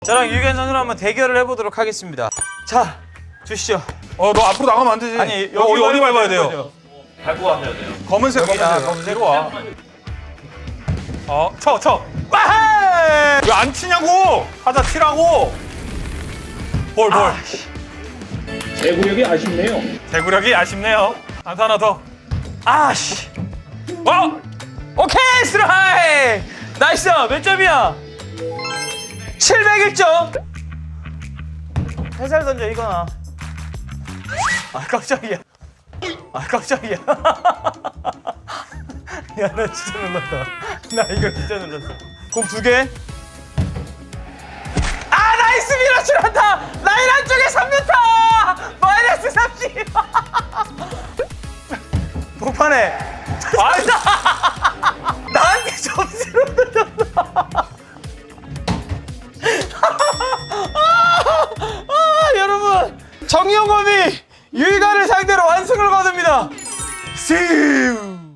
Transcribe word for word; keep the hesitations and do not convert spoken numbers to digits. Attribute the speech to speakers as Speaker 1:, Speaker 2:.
Speaker 1: 저랑 유견 선수랑 한번 대결을 해보도록 하겠습니다. 자, 주시죠.
Speaker 2: 어, 너 앞으로 나가면 안 되지.
Speaker 1: 아니,
Speaker 2: 여기 어디, 어디 밟아야 돼요?
Speaker 1: 거죠.
Speaker 3: 밟고 가면 돼요.
Speaker 2: 검은색,
Speaker 1: 여기다,
Speaker 2: 검은색.
Speaker 1: 검은색.
Speaker 2: 뒤로 와. 어, 쳐, 쳐.
Speaker 1: 와헤이!
Speaker 2: 왜 안 치냐고! 하자 치라고! 볼, 볼.
Speaker 1: 아,
Speaker 3: 제구력이 아쉽네요.
Speaker 2: 대구력이 아쉽네요. 안타 하나 더.
Speaker 1: 아씨.
Speaker 2: 어!
Speaker 1: 오케이, 스트라이크! 나이스! 몇 점이야? 칠백일 점. 살살 던져, 이거나. 아, 깜짝이야. 아, 깜짝이야. 야, 나 진짜 놀랐다. 나 이거 진짜 놀랐어. 공 두 개. 아, 나이스 밀어치란다! 라인 한쪽에 삼 미터! 마이너스 삼십! 복판에.
Speaker 2: 아,
Speaker 1: 나한테 점수를 줬다. 아, 여러분, 정영범이 유희관을 상대로 완승을 거둡니다. See you.